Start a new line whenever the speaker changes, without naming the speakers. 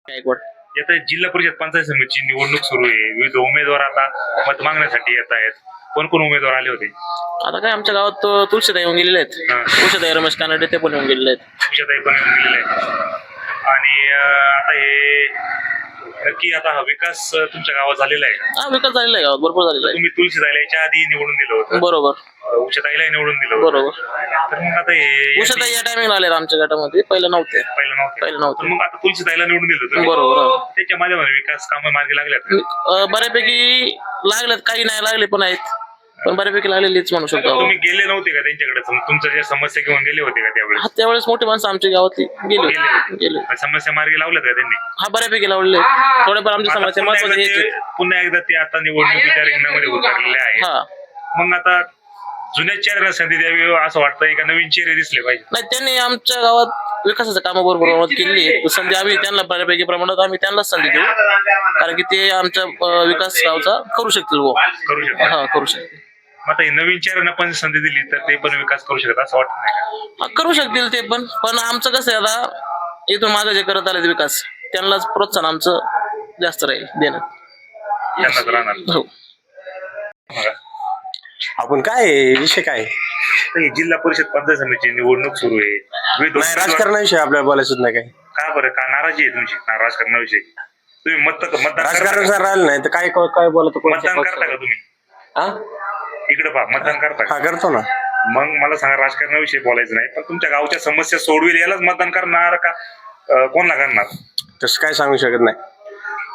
गायकवाड.
आता जिल्हा परिषद पंचायत समितीची निवडणूक सुरू आहे. विविध उमेदवार आता मत मागण्यासाठी येत आहेत. कोण कोण उमेदवार आले होते?
आता काय आमच्या गावात तुळशीताई येऊन गेलेले आहेत. तुळशीताई रमेश कानडे ते पण येऊन गेलेले आहेत.
तुळशीताई पण येऊन गेलेले आहेत. आणि आता हे नक्की आता हा विकास तुमच्या गावात झालेला आहे का?
हा, विकास झालेला आहे गावात, भरपूर झालेला आहे.
तुम्ही तुळशीताईला याच्या आधी निवडून दिलं होतं,
बरोबर
उषाताईला निवडून दिलं होतं.
बरोबर.
तर मग आता हे
उषाताई या टायमिंगला आले आमच्या गटामध्ये, पहिलं नव्हते.
पहिलं
पहिलं
नव्हतं.
नव्हतं.
तर मग आता तुळशीताईला निवडून दिलं होतं.
बरोबर.
त्याच्या माध्यमाने विकास कामं मार्गी लागल्यात का?
बऱ्यापैकी लागलेत, काही नाही लागले पण आहेत, पण बऱ्यापैकी लागलेलीच म्हणू शकतो.
तुम्ही गेले नव्हते का त्यांच्याकडे? तुमच्या ज्या समस्या घेऊन गेले होते का त्यावेळेस?
हा, त्यावेळेस मोठी माणसं आमच्या गावातली गेले.
समस्या मार्गी लावल्यात का त्यांनी?
हा, बऱ्यापैकी लावले. थोडेफार आमची
आता
समस्या महत्वाची आहे.
पुन्हा एकदा ते आता निवडणुकीच्या रिंगणामध्ये उतरलेले आहे.
हा,
मग आता जुन्या चेहऱ्यांना संधी द्यावी असं वाटतंय का नवीन चेहरे दिसले पाहिजे?
नाही, त्यांनी आमच्या गावात विकासाचं कामं बरोबर केली आहे. संधी आम्ही त्यांना बऱ्यापैकी प्रमाणात आम्ही त्यांनाच संधी देऊ, कारण की ते आमच्या विकास गावचा करू शकतील.
करू शकतात.
हा, करू शकतील.
आता हे नवीन चेहऱ्यांना पण संधी दिली तर ते पण विकास करू शकतात असं वाटत नाही का?
हा, करू शकतील ते पण आमचं कसं आहे, आता इथून मागे जे करत आले विकास, त्यांनाच प्रोत्साहन आमचं जास्त राहील देणं.
त्यांनाच राहणार.
हो.
आपण काय विषय काय
तर ही जिल्हा परिषद पंचायत समितीची निवडणूक सुरू आहे. विविध
नाही, राजकारणाविषयी आपल्याला बोलायचं नाही. काय
का बरं, का नाराजी आहे तुमची राजकारणाविषयी? तुम्ही मतदान
राजकारण
करता
जर राहिलं नाही तर काय काय बोलत
मतदान करता का तुम्ही?
हा
इकडे पहा, मतदान करता का?
करतो ना.
मग मला सांगा, राजकारणाविषयी बोलायचं नाही, पण तुमच्या गावच्या समस्या सोडवेल यालाच मतदान करणार का कोणला करणार?
तसं काय सांगू शकत नाही.